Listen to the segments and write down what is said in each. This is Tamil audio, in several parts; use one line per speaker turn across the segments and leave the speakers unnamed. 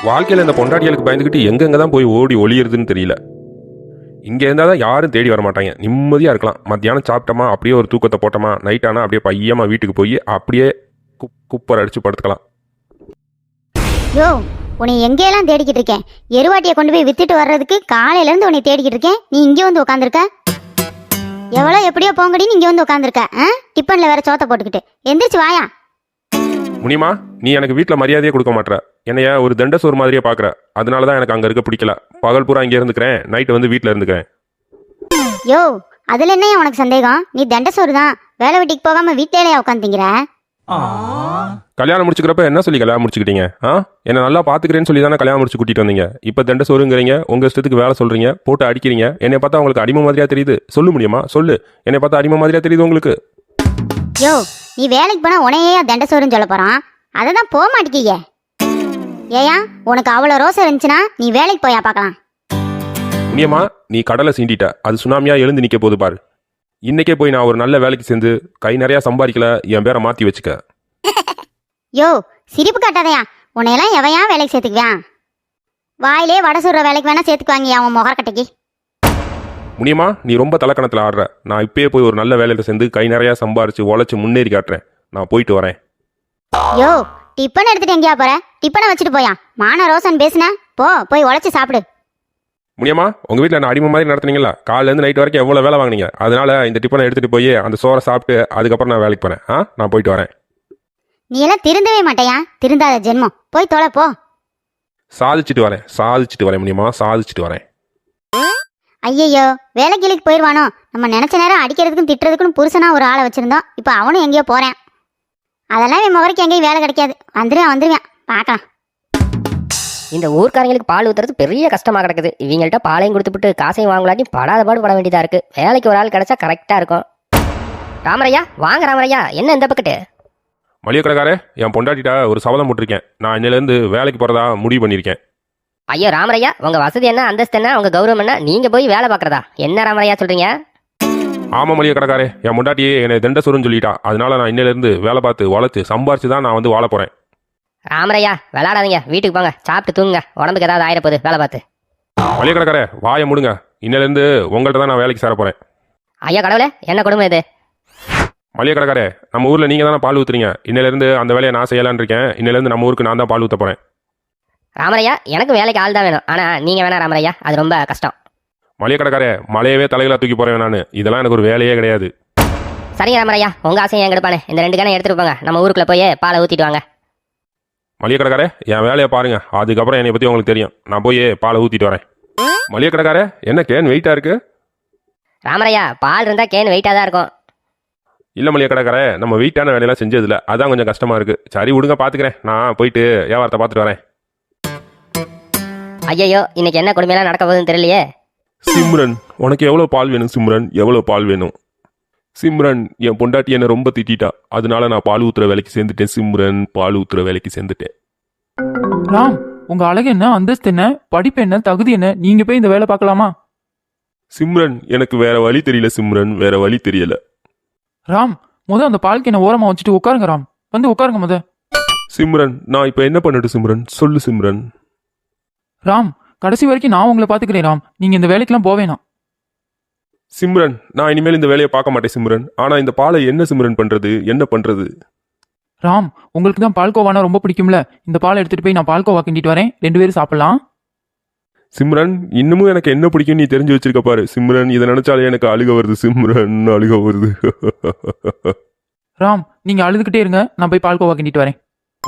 வாழ்க்கையில் இந்த பொண்டாட்டிகளுக்கு பயந்துக்கிட்டு எங்கெங்க தான் போய் ஓடி ஒளியுறதுன்னு தெரியல. இங்கே இருந்தால் தான் யாரும் தேடி வர மாட்டாங்க. நிம்மதியாக இருக்கலாம். மத்தியானம் சாப்பிட்டோமா, அப்படியே ஒரு தூக்கத்தை போட்டோமா, நைட் ஆனால் அப்படியே பையமா வீட்டுக்கு போய் அப்படியே குப்பர் அடித்து படுத்துக்கலாம்.
யோ, உன்னை எங்கேயெல்லாம் தேடிக்கிட்டு இருக்கேன். எருவாட்டியை கொண்டு போய் வித்துட்டு வர்றதுக்கு காலையிலேருந்து உன்னை தேடிக்கிட்டு இருக்கேன். நீ இங்கே வந்து உட்காந்துருக்க. எவ்வளோ எப்படியோ போங்கடின்னு இங்கே வந்து உட்காந்துருக்க. டிஃபனில் வேற சோத்தை போட்டுக்கிட்டு எந்திரிச்சு வாயா.
முனிமா, நீ எனக்கு வீட்டில் மரியாதையே கொடுக்க மாட்டேற. என்னைய ஒரு தண்டசோறு மாதிரியே பார்க்குற. அதனால தான் எனக்கு அங்கே இருக்க பிடிக்கல. பகல் பூரா இங்கே இருந்துக்கிறேன், நைட்டு வந்து வீட்டில் இருந்துக்கிறேன்.
யோ, அதில் என்னையா உனக்கு சந்தேகம்? நீ தண்டசோறு தான். வேலை வெட்டிக்கு போகாமல் வீட்டிலேயே உட்காந்துங்கிற.
கல்யாணம் முடிச்சுக்கிறப்ப என்ன சொல்லி கல்யாணம் முடிச்சுக்கிட்டீங்க? என்ன நல்லா பார்த்துக்கிறேன்னு சொல்லி தானே கல்யாணம் முடிச்சு கூட்டிட்டு வந்தீங்க. இப்போ தண்டசோறுங்கிறீங்க, உங்கள் இஷ்டத்துக்கு வேலை சொல்கிறீங்க, போட்டு அடிக்கிறீங்க. என்னை பார்த்தா உங்களுக்கு அடிமை மாதிரியா தெரியுது? சொல்ல முடியுமா? சொல்லு. என்னை பார்த்தா அடிமை மாதிரியா தெரியுது உங்களுக்கு?
யோ, நீ வேலைக்கு போனால் உனையே தண்டசோறுன்னு சொல்ல போகிறான். அதை தான் போக மாட்டேங்க. ஏயா, உனக்கு அவ்வளோ ரோசை இருந்துச்சுன்னா நீ வேலைக்கு போயா பார்க்கலாம்.
முனியம்மா, நீ கடலை சீண்டிட்ட. அது சுனாமியா எழுந்து நிற்க போது பாரு. இன்னைக்கே போய் நான் ஒரு நல்ல வேலைக்கு சேர்ந்து கை நிறையா சம்பாதிக்கல, என் பேரை மாற்றி வச்சுக்க.
யோ, சிரிப்பு காட்டாதையா. உன்னையெல்லாம் எவையா வேலைக்கு சேர்த்துக்குவேன்? வாயிலே வடை சுடுற வேலைக்கு வேணா சேர்த்துக்குவாங்க அவன் முகக்கட்டைக்கு.
முனியம்மா, நீ ரொம்ப தலைக்கணத்தில் ஆடுற. நான் இப்பயே போய் ஒரு நல்ல வேலையில் சேர்ந்து கை நிறையா சம்பாரிச்சு உழைச்சி முன்னேறி காட்டுறேன். நான் போயிட்டு வரேன்.
யோ, டிப்பன் எடுத்துட்டு எங்கேயா போற? டிப்பனை வச்சுட்டு போயா. மான ரோசன் பேசுன. போய் உழைச்சி சாப்பிடு.
முனியம்மா, உங்கள் வீட்டில் நான் அடிமை மாதிரி நடத்துனீங்களா? காலையிலேருந்து நைட் வரைக்கும் எவ்வளோ வேலை வாங்கினீங்க. அதனால இந்த டிப்பனை எடுத்துகிட்டு போய் அந்த சோறை சாப்பிட்டு அதுக்கப்புறம் நான் வேலைக்கு போகிறேன். நான் போயிட்டு வரேன்.
நீ எல்லாம் திருந்தவே மாட்டேயா? திருந்தாத ஜென்மம். போய் தொலை போ.
சாதிச்சுட்டு வரேன் முனியம்மா, சாதிச்சுட்டு வரேன்.
ஐயையோ, வேலைக்கு போயிடுவானோ? நம்ம நினைச்ச நேரம் அடிக்கிறதுக்கும் திட்டுறதுக்கும் புருஷனா ஒரு ஆளை வச்சிருந்தோம். இப்போ அவனும் எங்கேயோ போறேன். அதெல்லாம் என் முகரைக்கு எங்கேயும் வேலை கிடைக்காது. வந்துருவேன் பார்க்கலாம்.
இந்த ஊர்க்காரங்களுக்கு பால் ஊற்றுறது பெரிய கஷ்டமாக கிடக்குது. இவங்கள்ட்ட பாலையும் கொடுத்துட்டு காசையும் வாங்கலாட்டி படாத பாடு பட வேண்டியதாக இருக்குது. வேலைக்கு ஒரு ஆள் கிடைச்சா கரெக்டாக இருக்கும். ராமரையா, வாங்க ராமரையா. என்ன இந்த பக்கெட்டு?
மளிகை கடைக்காரே, என் பொண்டாட்டிட்ட ஒரு சபதம் போட்டிருக்கேன். நான் இன்னிலேருந்து வேலைக்கு போகிறதா முடிவு பண்ணியிருக்கேன்.
ஐயோ ராமரையா, உங்கள் வசதி என்ன, அந்தஸ்து என்ன, உங்கள் கௌரவம் என்ன, நீங்கள் போய் வேலை பார்க்குறதா? என்ன ராமரையா சொல்கிறீங்க?
ஆமாம் மளிகை கடைக்காரே, என் பொண்டாட்டியே என்னை தண்டசோறுன்னு சொல்லிட்டா. அதனால நான் இன்னிலேருந்து வேலை பார்த்து உழைச்சி சம்பாரிச்சு தான் நான் வந்து வாழ போகிறேன்.
ராமரையா, விளையாடாதீங்க, வீட்டுக்கு போங்க, சாப்பிட்டு தூங்குங்க. உடம்புக்கு ஏதாவது ஆயிரப்போகுது வேலை பார்த்து.
மளிகை கடைக்காரே, வாயை முடுங்க. இன்னிலேருந்து உங்கள்கிட்ட தான் நான் வேலைக்கு சேர போகிறேன்.
ஐயா கடவுளே, என்ன கொடுமை இது?
மளிகை கடைக்காரே, நம்ம ஊரில் நீங்கள் தானே பால் ஊற்றுறீங்க. இன்னிலேருந்து அந்த வேலையை நான் செய்யலான்னு இருக்கேன். இன்னிலேருந்து நம்ம ஊருக்கு நான் தான் பால் ஊற்ற போகிறேன்.
ராமரையா, எனக்கு வேலைக்கு ஆள் தான் வேணும். ஆனால் நீங்கள் வேணா ராமரையா, அது ரொம்ப கஷ்டம்.
மளிகை கடைக்காரே, மலையவே தலைகளாக தூக்கி போகிறேன் நான். இதெல்லாம் எனக்கு ஒரு வேலையே கிடையாது.
சரிங்க ராமரையா, உங்கள் ஆசையை என் கெடுப்பானே. இந்த 2 கேனை எடுத்துகிட்டு போங்க, நம்ம ஊருக்குள்ளே போய் பாலை ஊற்றிட்டு வாங்க.
மளிகை கடைக்காரே, என் வேலையை பாருங்க. அதுக்கப்புறம் என்னை பற்றி உங்களுக்கு தெரியும். நான் போய் பாலை ஊற்றிட்டு வரேன். மளிகை கடைக்காரே, என்ன கேன் வெயிட்டாக இருக்கு?
ராமரையா, பால் இருந்தால் கேன் வெயிட்டாக தான் இருக்கும்.
இல்லை மளிகை கடைக்காரே, நம்ம வெயிட்டான வேலையெல்லாம் செஞ்சதில்ல. அதான் கொஞ்சம் கஷ்டமாக இருக்குது. சரி விடுங்க, பார்த்துக்கிறேன். நான் போயிட்டு வியாபாரத்தை பார்த்துட்டு வரேன்.
ஐயோ, இன்னைக்கு என்ன கொடுமையெல்லாம் நடக்க போகுதுன்னு தெரியலையே.
சிம்ரன், உனக்கு எவ்வளோ பால் வேணும்? சிம்ரன், எவ்வளோ பால் வேணும்? சிம்ரன், என் பொண்டாட்டி என்னை ரொம்ப திட்டா. அதனால நான் பால் ஊத்துற வேலைக்கு சேர்ந்துட்டேன். சிம்ரன், பால் ஊத்துற வேலைக்கு சேர்ந்துட்டேன்.
ராம், உங்க அழகு என்ன, அந்தஸ்து என்ன, படிப்பு என்ன, தகுதி என்ன? நீங்க போய் இந்த வேலை பார்க்கலாமா?
சிம்ரன், எனக்கு வேற வழி தெரியல. சிம்ரன், வேற வழி தெரியல.
ராம், அந்த பால்க்கு என்ன ஓரமா வச்சுட்டு உட்காருங்க. ராம், வந்து உட்காருங்க
சிம்ரன், நான் இப்ப என்ன பண்ணட்டும்? சிம்ரன், சொல்லு சிம்ரன்.
ராம், கடைசி வரைக்கும் நான் உங்களை பாத்துக்கிறேன். ராம், நீங்க இந்த வேலைக்கெல்லாம் போவேணாம்.
சிம்ரன், நான் இனிமேல் இந்த வேலையை பார்க்க மாட்டேன் சிம்ரன். ஆனா இந்த பாலை என்ன சிம்ரன் பண்றது? என்ன பண்றது?
ராம், உங்களுக்கு தான் பால்கோவானா ரொம்ப பிடிக்கும்ல. இந்த பாலை எடுத்துட்டு போய் நான் பால்கோவா கிண்டிட்டு வரேன். 2 பேரும் சாப்பிடலாம்.
சிம்ரன், இன்னமும் எனக்கு என்ன பிடிக்கும் நீ தெரிஞ்சு வச்சிருக்க பாரு. சிம்ரன், இதை நினைச்சாலே எனக்கு அழுக வருது. சிம்ரன், அழுக வருது.
ராம், நீங்க அழுதுகிட்டே இருங்க, நான் போய் பால்கோவா கிண்டிட்டு வரேன்.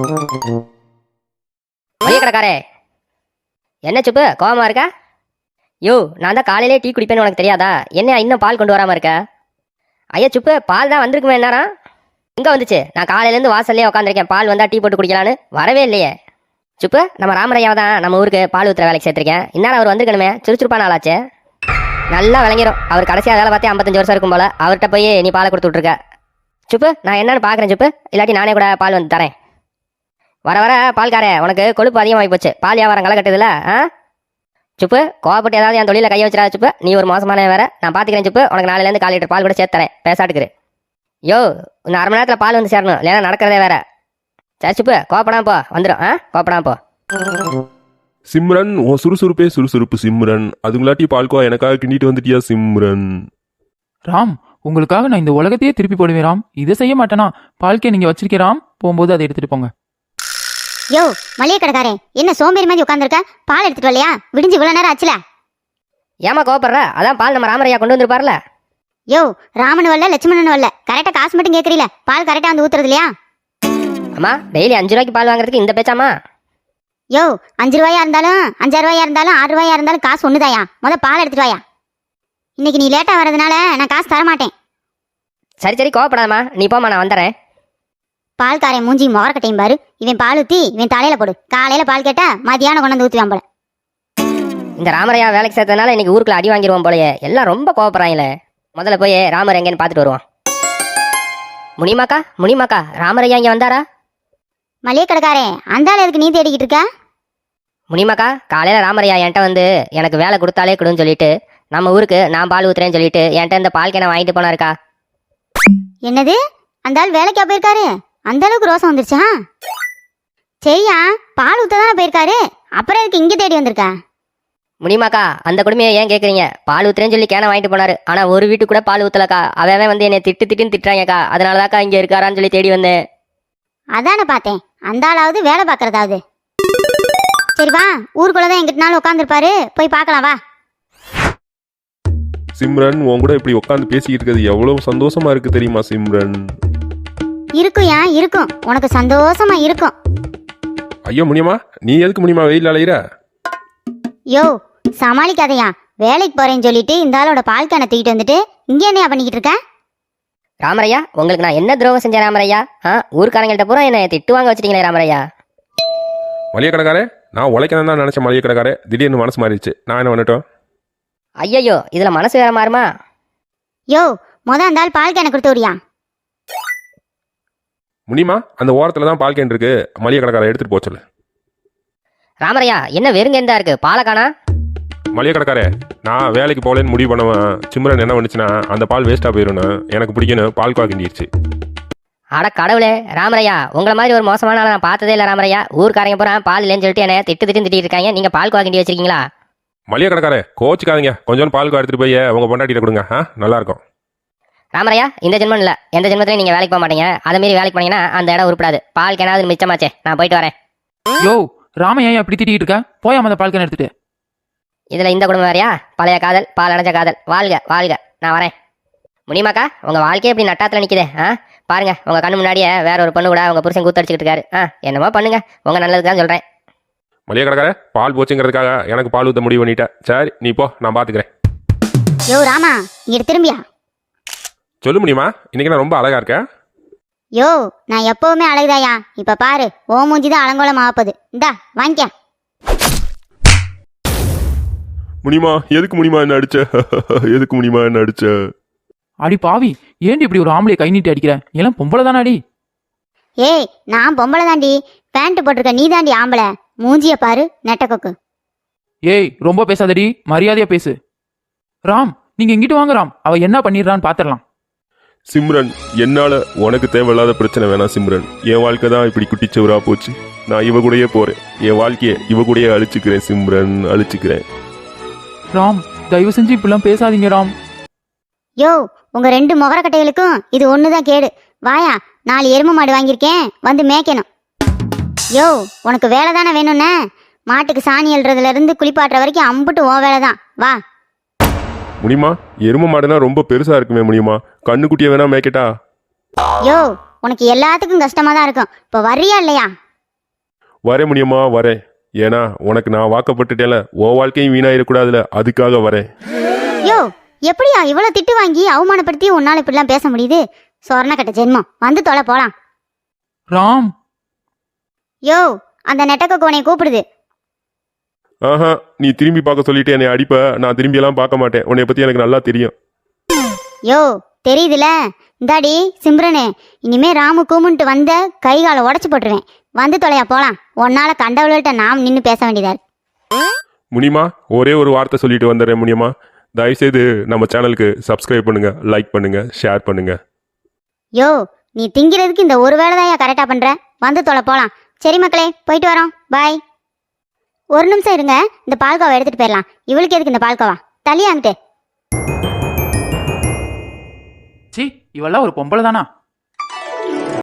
மளிகை கடைக்காரே, என்ன சுப்பு கோவமா இருக்கா? யோ, நான் தான் காலையிலே டீ குடிப்பேன்னு உனக்கு தெரியாதா? என்ன இன்னும் பால் கொண்டு வராமல் இருக்க? ஐயா சுப்பு, பால் தான் வந்திருக்குமே. என்னடா எங்கே வந்துச்சு? நான் காலையிலேருந்து வாசல்லே உட்காந்துருக்கேன். பால் வந்தால் டீ போட்டு குடிக்கலான்னு வரவே இல்லையே. சுப்பு, நம்ம ராமரையாவை தான் நம்ம ஊருக்கு பால் ஊற்றுற வேலைக்கு சேர்த்துருக்கேன். இந்நேரம் அவர் வந்திருக்கணுமே. சுறுசுறுப்பான ஆளாச்சே, நல்லா விளங்கிடும். அவர் கடைசியாக வேலை பார்த்தே 55 வருஷம் இருக்கும் போல. அவர்கிட்ட போய் நீ பாலை கொடுத்து விட்ருக்க. சுப்பு, நான் என்னன்னு பார்க்குறேன் சுப்பு. இல்லாட்டி நானே கூட பால் வந்து தரேன். வர வர பால்காரே, உனக்கு கொழுப்பு அதிகமாகி போச்சு. பால் வியாபாரம் களை கட்டுதுல. சுப்பு, கோவப்பட்டு ஏதாவது என் தொழில கையை வச்சிடாத சுப்பு. நீ ஒரு மோசமான வேற. நான் பார்த்துக்கிறேன் சுப்பு. உனக்கு நாளையிலேருந்து 1/4 லிட்டர் பால் கூட சேர்த்து தரேன். பேசாட்டுக்குரு. யோ, இன்னும் 1/2 மணி நேரத்தில் பால் வந்து சேரணும், இல்லைன்னா நடக்கிறதே வேற. சரி சுப்பு, கோப்படாம போ, வந்துடும். கோப்படாம போ.
சிம்ரன் உன் சுறுசுறுப்பே சுறுசுறுப்பு சிம்ரன். அதுங்களாட்டி பால்கோவா எனக்காக கிண்டிட்டு வந்துட்டியா சிம்ரன்?
ராம், உங்களுக்காக நான் இந்த உலகத்தையே திருப்பி போடுவேன் ராம். இதை செய்ய மாட்டேனா? பால்கே நீங்க வச்சிருக்கேன் ராம், போகும்போது அதை எடுத்துட்டு போங்க.
யோ மளிகை கடைக்காரே, என்ன சோம்பேறி மாதிரி உட்காந்துருக்க? பால் எடுத்துட்டு வரலையா? விடிஞ்சு இவ்வளவு நேரம் ஆச்சுல.
ஏமா கோவப்படுற? அதான் பால் நம்ம ராமரையா கொண்டு வந்திருப்பார்ல.
யோ ராமன் வரல லட்சுமணன் வரல, கரெக்டா காசு மட்டும் கேட்கறீல, பால் கரெக்டா வந்து ஊத்துறது இல்லையா?
அம்மா டெய்லி 5 ரூபாய்க்கு பால் வாங்குறதுக்கு இந்த பேச்சாமா?
யோ 5 ரூபாயா இருந்தாலும் 5 ரூபாயா இருந்தாலும் 6 ரூபாயா இருந்தாலும் காசு ஒண்ணுதாயா. பால் எடுத்துட்டு வாயா. இன்னைக்கு நீ லேட்டா வர்றதுனால நான் காசு தர மாட்டேன்.
சரி சரி கோவப்படாதம்மா, நீ போமா, நான் வந்துடுறேன்.
பால்காரன் மூஞ்சி முகரக்கட்டையும் பாரு. இவன் பால் ஊத்தி இவன் தலையில போடு. காலையில பால் கேட்டா மதியானம் கொண்டு வந்து ஊத்துவான் போல.
இந்த ராமரையா வேலைக்கு சேர்த்ததுனால இன்னைக்கு ஊருக்குள்ள அடி வாங்கிடுவோம் போலயே. எல்லாம் ரொம்ப கோவப்படுறாங்களே. முதல்ல போய் ராமர் எங்கேன்னு பார்த்துட்டு வருவான். முனிமாக்கா ராமரையா இங்கே வந்தாரா?
மளிகை கடைக்காரே, அந்த ஆள் எதுக்கு நீ தேடிக்கிட்டு இருக்க?
முனிமாக்கா காலையில் ராமரையா என்கிட்ட வந்து எனக்கு வேலை கொடுத்தாலே கொடுன்னு சொல்லிட்டு நம்ம ஊருக்கு நான் பால் ஊத்துறேன்னு சொல்லிட்டு என்கிட்ட இந்த பால் கேனை வாங்கிட்டு போனாருக்கா.
என்னது? அந்த ஆள் வேலைக்கா போயிருக்காரு? அந்த அளவுக்கு ரோசம் வந்துருச்சா? சரியா, பால் ஊத்த தானே போயிருக்காரு, அப்புறம் எதுக்கு இங்க தேடி வந்திருக்க?
முனிமாக்கா அந்த கொடுமையை ஏன் கேட்குறீங்க? பால் ஊத்துறேன்னு சொல்லி கேனை வாங்கிட்டு போனாரு. ஆனால் ஒரு வீட்டுக்கு கூட பால் ஊத்தலக்கா. அவன் வந்து என்னை திட்டுன்னு திட்டுறாங்கக்கா. அதனாலதாக்கா இங்கே இருக்காரான்னு சொல்லி தேடி வந்தேன்.
அதானே பார்த்தேன், அந்த ஆளாவது வேலை பார்க்கறதாவது. சரி வா, ஊருக்குள்ளதான் எங்கிட்டனாலும் உட்காந்துருப்பாரு, போய் பார்க்கலாம் வா.
சிம்ரன் உன் கூட இப்படி உட்காந்து பேசிக்கிட்டு இருக்கிறது எவ்வளவு சந்தோஷமா இருக்கு தெரியுமா சிம்ரன்?
இருக்குயா இருக்கும், உனக்கு சந்தோஷமா இருக்கும்.
ஐயோ முனியமா, நீ எதுக்கு முனியமா வெயில் அலையிற?
யோ சமாளிக்காதையா, வேலைக்கு போறேன்னு சொல்லிட்டு இந்த ஆளோட பால் கேனை தூக்கிட்டு வந்துட்டு இங்க என்னையா பண்ணிக்கிட்டு இருக்க?
ராமரையா உங்களுக்கு நான் என்ன துரோகம் செஞ்சேன் ராமரையா? ஊர்க்காரங்கள்ட்ட பூரா என்னை திட்டு வாங்க வச்சிட்டீங்களே ராமரையா.
மளிகை கடைக்காரே, நான் உழைக்கணும் தான் நினைச்ச மளிகை கடைக்காரே, திடீர்னு மனசு மாறிடுச்சு. நான் என்ன பண்ணட்டும்?
ஐயோ இதுல மனசு வேற மாறுமா?
யோ அந்த ஆள் பால் கேனை கொடுத்து விடியா.
முனிமா அந்த ஓரத்துல தான் பால் கேன் இருக்கு, மளிகை கடைக்காரை எடுத்துட்டு போக சொல்லு.
ராமரையா என்ன வெறுங்கேந்தா இருக்கு, பாலை காணா?
மளிகை கடைக்காரே, நான் வேலைக்கு போகலன்னு முடிவு பண்ணுவேன். சிம்ரன் என்ன பண்ணுச்சுன்னா அந்த பால் வேஸ்ட்டாக போயிடும்னு எனக்கு பிடிக்கணும் பால் கிண்டிடுச்சு.
அட கடவுளே ராமரையா, உங்களை மாதிரி ஒரு மோசமான ஆளை நான் பார்த்ததே இல்லை ராமரையா. ஊர்க்காரங்க பூரா பால் இல்லைன்னு சொல்லிட்டு என்ன திட்டிட்டு இருக்காங்க. நீங்க பால் கிண்டி வச்சிருக்கீங்களா?
மளிகை கடைக்காரே கோச்சுக்காதீங்க, கொஞ்சம் பால் எடுத்துட்டு போய் உங்க பொண்டாட்டிட்ட கொடுங்க, நல்லா இருக்கும்.
ராமரையா இந்த ஜென்மம் இல்லை, எந்த ஜென்மத்திலையும் நீங்க வேலைக்கு போக மாட்டீங்க. அதை மீறி வேலைக்கு போனீங்கன்னா அந்த இடம் உருப்படாது. பால் கேனாவது மிச்சமாச்சே, நான் போயிட்டு வரேன்.
யோ ராமையா அப்படி திட்டிக்கிட்டு இருக்க? போயாம அந்த பால் கேனை எடுத்துட்டு.
இதுல இந்த குடும்பம் வேறையா? பழைய காதல், பால் அடைஞ்ச காதல். வாழ்க வாழ்க, நான் வரேன். முனிமாக்கா உங்க வாழ்க்கையே இப்படி நட்டாத்துல நிக்குதே. பாருங்க உங்க கண்ணு முன்னாடியே வேற ஒரு பொண்ணு கூட உங்க புருஷன் கூத்தடிச்சுக்கிட்டு இருக்காரு. என்னமோ பண்ணுங்க, உங்க நல்லதுக்கு தான் சொல்றேன்.
மளிகை கடைக்காரே, பால் போச்சுங்கிறதுக்காக எனக்கு பால் ஊற்ற முடிவு பண்ணிட்டேன். சரி நீ போ, நான் பாத்துக்கிறேன்.
யோ ராமா, இங்க திரும்பியா.
சொல்லு முடியுமா, இன்னைக்கு நான் ரொம்ப அழகா இருக்கேன்.
யோ நான் எப்பவுமே அழகுதாயா, இப்ப பாரு ஓ மூஞ்சிதான் அலங்கோலம் ஆப்பது. இந்தா வாங்கிக்க.
முடியுமா எதுக்கு முடியுமா என்ன அடிச்ச? எதுக்கு முடியுமா என்ன அடிச்ச?
அடி பாவி, ஏன்டி இப்படி ஒரு ஆம்பளைய கை நீட்டி அடிக்கிற? எல்லாம் பொம்பளை தானே அடி.
ஏய் நான் பொம்பளை தாண்டி, பேண்ட் போட்டிருக்க நீ தாண்டி ஆம்பளை. மூஞ்சிய பாரு நெட்டக்கொக்கு.
ஏய் ரொம்ப பேசாதடி, மரியாதையா பேசு. ராம் நீங்க இங்கிட்டு வாங்க ராம், அவ என்ன பண்ணிடுறான்னு பாத்திரலாம்.
சிம்ரன், என்னால உனக்கு தேவையில்லாத பிரச்சனை வேணாம் சிம்ரன். என் வாழ்க்கை தான் இப்படி குட்டிச்சவரா போச்சு. நான் இவ கூடயே போறேன், என் வாழ்க்கையை இவ கூடயே அழிச்சுக்கிறேன் சிம்ரன், அழிச்சுக்கிறேன்.
ராம் தயவு செஞ்சு இப்படிலாம் பேசாதீங்க ராம்.
யோ உங்க 2 முகரக்கட்டைகளுக்கும் இது ஒண்ணுதான் கேடு. வாயா, 4 எருமை மாடு வாங்கியிருக்கேன், வந்து மேய்க்கணும். யோ உனக்கு வேலை தானே வேணும்னே, மாட்டுக்கு சாணி எழுறதுல இருந்து குளிப்பாட்டுற வரைக்கும் அம்புட்டு ஓ வேலை தான். வா.
முடியுமா, எரும மாடுனா ரொம்ப பெருசா இருக்குமே முடியுமா, கண்ணுக்குட்டியை வேணா மேய்க்கட்டா?
யோ உனக்கு எல்லாத்துக்கும் கஷ்டமா தான் இருக்கும், இப்போ வர்றியா இல்லையா?
வரேன் முடியுமா, வரேன். ஏன்னா உனக்கு நான் வாக்கப்பட்டுட்டேல, உன் வாழ்க்கையும் வீணாயிடக்கூடாதுல, அதுக்காக வரேன்.
யோ எப்படியா இவ்வளவு திட்டு வாங்கி அவமானப்படுத்தி உன்னால இப்படிலாம் பேச முடியுது? சொர்ண கட்ட ஜென்மம், வந்து தொலை போலாம்.
ராம்
யோ அந்த நெட்டக்க கோனையை கூப்பிடுது.
ஆஹா, நீ திரும்பி பார்க்க சொல்லிட்டு என்னை அடிப்ப. நான் திரும்பி எல்லாம் பார்க்க மாட்டேன், உன்னை பத்தி எனக்கு நல்லா தெரியும்.
யோ தெரியுதுல, இந்தாடி சிம்ரனு, இனிமே ராமு கூமுன்ட்டு வந்த கை காலை உடச்சு போட்டுருவேன். வந்து தொலையா போலாம், உன்னால கண்டவள்கிட்ட நாம் நின்று பேச வேண்டியதா இருக்கு.
முனிமா ஒரே ஒரு வார்த்தை சொல்லிட்டு வந்துடுறேன் முடியுமா, தயவுசெய்து நம்ம சேனலுக்கு சப்ஸ்கிரைப் பண்ணுங்க, லைக் பண்ணுங்க, ஷேர் பண்ணுங்க.
யோ நீ திங்கிறதுக்கு இந்த ஒரு வேலை தான் கரெக்டா பண்ற, வந்து தொலை போலாம். சரி மக்களே, போயிட்டு வரோம், பாய். ஒரு நிமிஷம் இருங்க, இந்த பால்கோவா எடுத்துட்டு போயிடலாம். இவளுக்கு எதுக்கு இந்த பால்கோவா? தள்ளியாங்கிட்டு.
சி இவெல்லாம் ஒரு பொம்பளை தானா?